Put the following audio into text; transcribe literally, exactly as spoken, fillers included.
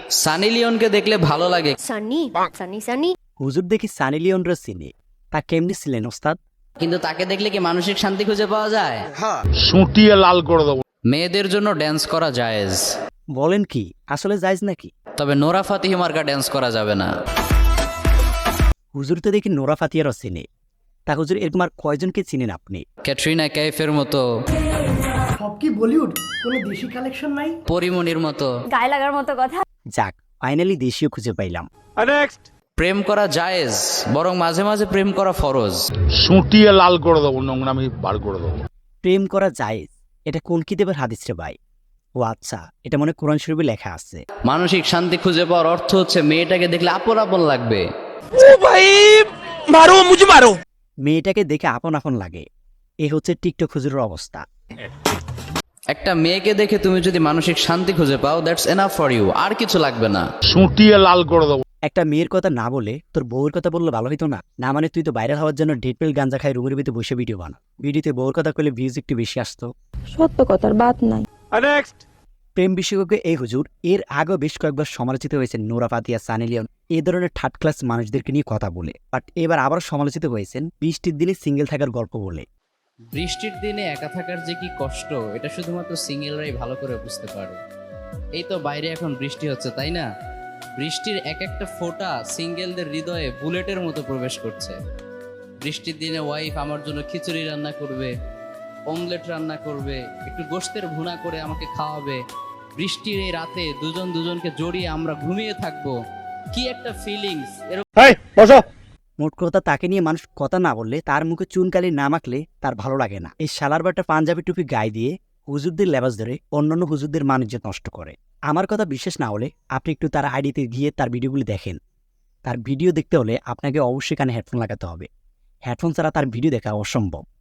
সানি লিওনকে দেখলে ভালো লাগে। সানি সানি সানি হুজুর দেখি সানি লিওনরা চিনে, তা কেমনি ছিলেন ওস্তাদ? কিন্তু তাকে দেখলে কি মানসিক শান্তি খুঁজে পাওয়া যায়? সুটিয়ে লাল করে দেবো। মেয়েদের জন্য ড্যান্স করা জায়েজ, বলেন কি, আসলে জায়েজ নাকি? তবে নোরা ফাতিহি মার্কা ড্যান্স করা যাবে না। হুজুর তো দেখি নোরা ফাতিয়ারও চিনে, তা হুজুর এরকম আর কয়জনকে চিনেন আপনি? ক্যাটরিনা কাইফের মতো, সব কি বলিউড, কোনো দেশি কালেকশন নাই? পরিমণির মতো। গায়ে লাগার মতো কথা। যাক, ফাইনালি দেশীয় খুঁজে পাইলাম। প্রেম করা জায়েজ, বরং মাঝে মাঝে প্রেম করা ফরজ। সুটিয়ে লাল করে দেবো, নোংরামি বার করে দেবো। প্রেম করা জায়েজ, এটা কোন কিতাবের হাদিস রে ভাই? ও আচ্ছা, এটা মনে হয় কোরআন শরীফে লেখা আছে। মানসিক শান্তি খুঁজে পাওয়ার অর্থ হচ্ছে মেয়েটাকে দেখলে আপন আপন লাগবে। মেয়েটাকে দেখে আপন আপন লাগে, এ হচ্ছে টিকটক হুজুরের অবস্থা। একটা মেয়েকে দেখে তুমি যদি মানসিক শান্তি খুঁজে পাও, দ্যাটস এনাফ ফর ইউ, আর কিছু লাগবে না। সুটিয়ে লাল করে দেবো। একটা মেয়ের কথা না বলে তোর বউয়ের কথা বললে ভালো হইতো না? না মানে তুই তো ভাইরাল হওয়ার জন্য ডেটপেল গাঞ্জা খাই রুমের ভিতরে বসে ভিডিও বানা, ভিডিওতে বউর কথা কইলে ভিউজ একটু বেশি আসতো। সত্য কথার বাদ নাই। প্রেম বিশেষজ্ঞ এই হুজুর এর আগেও বেশ কয়েকবার সমালোচিত হয়েছেন নোরা ফাতিয়া, সানি লিওন এই ধরনের থার্ড ক্লাস মানুষদেরকে নিয়ে কথা বলে, বাট এবার আবার সমালোচিত হয়েছেন বৃষ্টির দিনে সিঙ্গেল থাকার গল্প বলে। বৃষ্টির দিনে একা থাকার যে কি কষ্ট, এটা শুধুমাত্র সিঙ্গেলরাই ভালো করে বুঝতে পারে। এই তো বাইরে এখন বৃষ্টি হচ্ছে, তাই না? বৃষ্টির এক একটা ফোঁটা সিঙ্গেলদের হৃদয়ে বুলেটের মতো প্রবেশ করছে। বৃষ্টির দিনে ওয়াইফ আমার জন্য খিচুড়ি রান্না করবে, অমলেট রান্না করবে, একটু গোশতের ভুনা করে আমাকে খাওয়াবে। বৃষ্টির এই রাতে দুজন দুজনকে জড়িয়ে আমরা ঘুমিয়ে থাকবো, কি একটা ফিলিংস। মোট কথা, তাকে নিয়ে মানুষ কথা না বললে, তার মুখে চুনকালি না মাখলে তার ভালো লাগে না। এই শালার বাটা পাঞ্জাবি টুপি গায়ে দিয়ে হুজুরদের লেবাস ধরে অন্যান্য হুজুরদের মানিজ্য নষ্ট করে। আমার কথা বিশ্বাস না হলে আপনি একটু তার আইডিতে গিয়ে তার ভিডিওগুলি দেখেন। তার ভিডিও দেখতে হলে আপনাকে অবশ্যই কানে হেডফোন লাগাতে হবে, হেডফোন ছাড়া তার ভিডিও দেখা অসম্ভব।